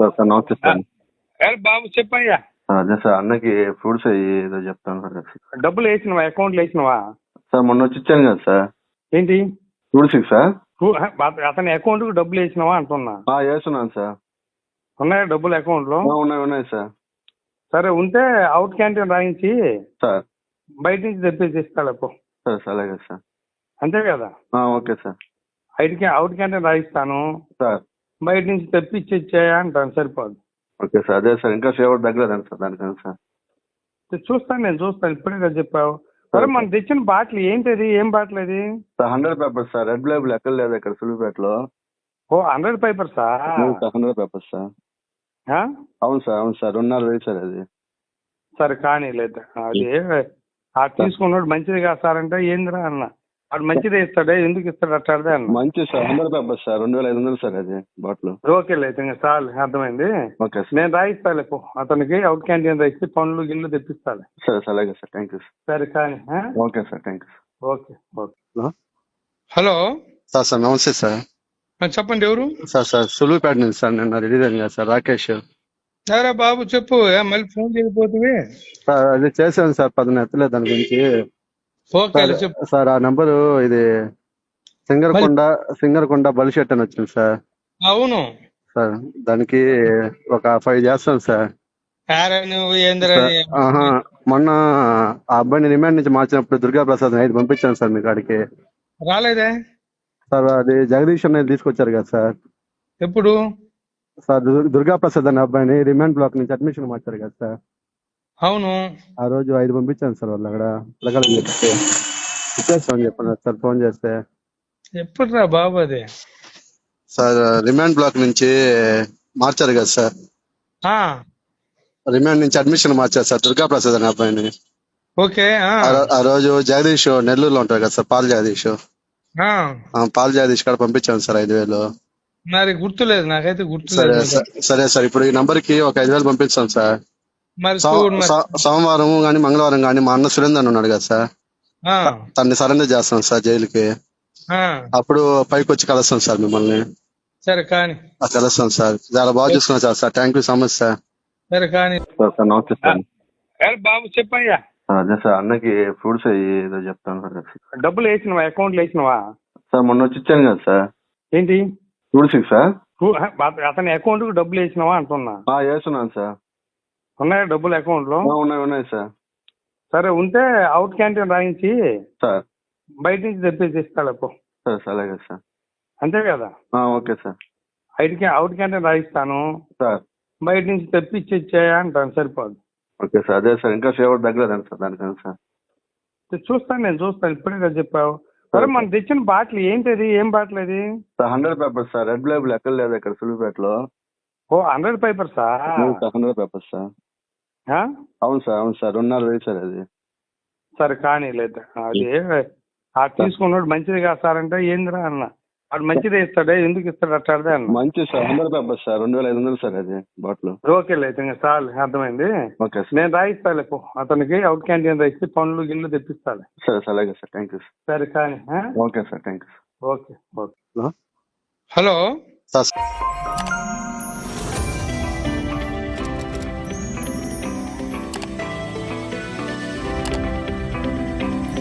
Sir sir నమస్తే sir. బాబు చెప్పయ్యా. అదే సార్ అన్నకి ఫ్రూట్స్ ఏదో చెప్తాను సార్. డబ్బులు వేసినవా? అకౌంట్లో వేసినవా? సార్ మొన్న వచ్చి ఇచ్చాను కదా సార్ ఏంటి ఫ్రూట్స్ సార్. అతని అకౌంట్ కు డబ్బులు వేసినావా అంటున్నా. వేస్తున్నాను సార్. ఉన్నాయా డబ్బులు అకౌంట్ లో? ఉన్నాయి సార్. సరే ఉంటే అవుట్ క్యాంటీన్ రాయించి సార్ బయట నుంచి తెప్పేసి ఇస్తాడు అప్పు. సార్ సార్ అలాగే సార్. అంతే కదా? Okay sir. అవుట్ క్యాంటీన్ రాయిస్తాను, సార్ బయట నుంచి తెప్పించి ఇచ్చేయా అంటాను. సరిపోదు. Okay sir. అదే సార్ ఇంకా ఫేవర్ తగ్గలేదండి సార్ దానికన్నా సార్. చూస్తాను, నేను చూస్తాను. ఇప్పుడే కదా చెప్పావు. సరే మనం తెచ్చిన బాటిల్ ఏంటిది? ఏం బాటిల్ అది? Sir 100 papers sir. Red label ఎక్కడ లేదు ఇక్కడ సులువుపేటలో. ఓ 100 పేపర్సా? 100 పేపర్స్ సార్. అవును సార్ అవును సార్. 2.5 సార్ అది. సరే కానీ లేదు అది తీసుకున్నాడు మంచిది కాదు సార్ అంటే ఏందిరా అన్న. వాడు మంచిదే ఇస్తాడే, ఎందుకు ఇస్తాడు అట్టాడే అన్న. మంచి సార్ 100 పేపర్స్ సార్. 2,500 సార్ అది బాటిల్. ఓకే లేదు ఇంకా చాలు, అర్థమైంది. Okay sir. నేను రాయిస్తాలే పో, అతనికి అవుట్ క్యాంటీన్ రాయిస్తే పండ్లు గిల్లు తెప్పిస్తాలే. సరే సార్ అలాగే సార్. Thank you sir. సరే కానీ okay sir. Thank you. Okay okay. Hello sir sir నమస్తే సార్. చెప్పండి ఎవరు? సార్ సార్ సులువుపేట నుంచి సార్. నిన్న రిలీజ్ అయింది కదా సార్ రాకేష్. సరే బాబు చెప్పు, మళ్ళీ ఫోన్ చేయకపోతే. సార్ అది చేశాను సార్, 10 ఎత్తలేదు దాని గురించి. ఓకే చెప్పు సార్ ఆ నంబరు ఇది సింగరకొండ బలిషెట్ అని వచ్చింది సార్. అవును సార్ దానికి ఒక 5 చేస్తాను సార్. మొన్న ఆ అబ్బాయిని రిమాండ్ నుంచి మార్చినప్పుడు దుర్గా ప్రసాద్ 5 పంపించాను సార్ మీ కాడికి. రాలేదే సార్. అది జగదీష్ అనేది తీసుకొచ్చారు కదా సార్. ఎప్పుడు సార్ దుర్గా ప్రసాద్ అనే అబ్బాయిని రిమాండ్ బ్లాక్ నుంచి అడ్మిషన్ మార్చారు కదా సార్. అవును ఆ రోజు 5 పంపించాను సార్. వాళ్ళు అక్కడ పిల్లగాళ్ళని చెప్తే ఇచ్చేస్తామని చెప్పన్నారు సార్ ఫోన్ చేస్తే. ఎప్పుడు రా బాబు అది? సార్ రిమాండ్ బ్లాక్ నుంచి మార్చారు కదా సార్. రిమాండ్ నుంచి అడ్మిషన్ మార్చారు సార్ దుర్గా ప్రసాద్ అనే అబ్బాయిని. ఓకే. ఆ రోజు జగదీష్ నెల్లూరులో ఉంటారు కదా sir, Paul Jagadish. Paul Jagadish కాడ పంపించాను సార్ 5,000. మరి గుర్తులేదు, నాకైతే సరే గుర్తులేదు. సరే సార్. ఇప్పుడు ఈ నంబర్ కి ఒక 5,000 పంపిస్తాను సార్. మరి సోమవారం గానీ మంగళవారం గానీ మా అన్న సురేందర్ ఉన్నాడు కదా సార్, తన్ని సరెండర్ చేస్తాం సార్ జైలుకి. అప్పుడు పైకి వచ్చి కలుస్తాం సార్ మిమ్మల్ని. సరే కానీ కలుస్తాం సార్. చాలా బాగా చూసుకున్నాం sir. Sir thank you so much sir. సరే కానీ సార్ నమస్తే సార్. బాబు చెప్పయ్యా. అదే సార్ అన్నకి ఫ్రూట్స్ ఏదో చెప్తాను సార్. డబ్బులు వేసినవా? అకౌంట్లో వేసినవా? సార్ మొన్న వచ్చి ఇచ్చాను కదా సార్. ఏంటి ఫ్రూట్స్ సార్. అతని అకౌంట్ కు డబ్బులు వేసినావా అంటున్నా. వేస్తున్నాను సార్. ఉన్నాయా డబ్బులు అకౌంట్ లో? ఉన్నాయి సార్. సరే ఉంటే అవుట్ క్యాంటీన్ రాయించి సార్ బయట నుంచి తెప్పేసి ఇస్తాడు అప్పు. సరే సార్ అలాగే సార్. అంతే కదా? Okay sir. అవుట్ క్యాంటీన్ రాయిస్తాను, సార్ బయట నుంచి తెప్పించి ఇచ్చేయా అంటాను. సరిపోదు. Okay sir. అదే సార్ ఇంకా ఫేవర్ తగ్గలేదండి సార్ దానికన్నా సార్. చూస్తాను, నేను చూస్తాను. ఇప్పుడే కదా చెప్పావు. సరే మనం తెచ్చిన బాటిల్ ఏంటిది? ఏం బాటిల్ అది? Sir 100 papers sir. Red label ఎక్కడ లేదు ఇక్కడ సులువుపేటలో. ఓ 100 పేపర్సా? 100 పేపర్స్ సార్. అవును సార్ అవును సార్. 2.5 సార్ అది. సరే కానీ లేదు అది తీసుకున్నాడు మంచిది కాదు సార్ అంటే ఏందిరా అన్న. వాడు మంచిదే ఇస్తాడే, ఎందుకు ఇస్తాడు అట్టాడే అన్న. మంచి సార్ 100 పేపర్స్ సార్. 2,500 సార్ అది బాటిల్. ఓకే లేదు ఇంకా చాలు, అర్థమైంది. Okay sir. నేను రాయిస్తాలే పో, అతనికి అవుట్ క్యాంటీన్ రాయిస్తే పండ్లు గిల్లు తెప్పిస్తాలే. సరే సార్ అలాగే సార్. Thank you sir. సరే కానీ okay sir. Thank you. Okay okay. Hello sir.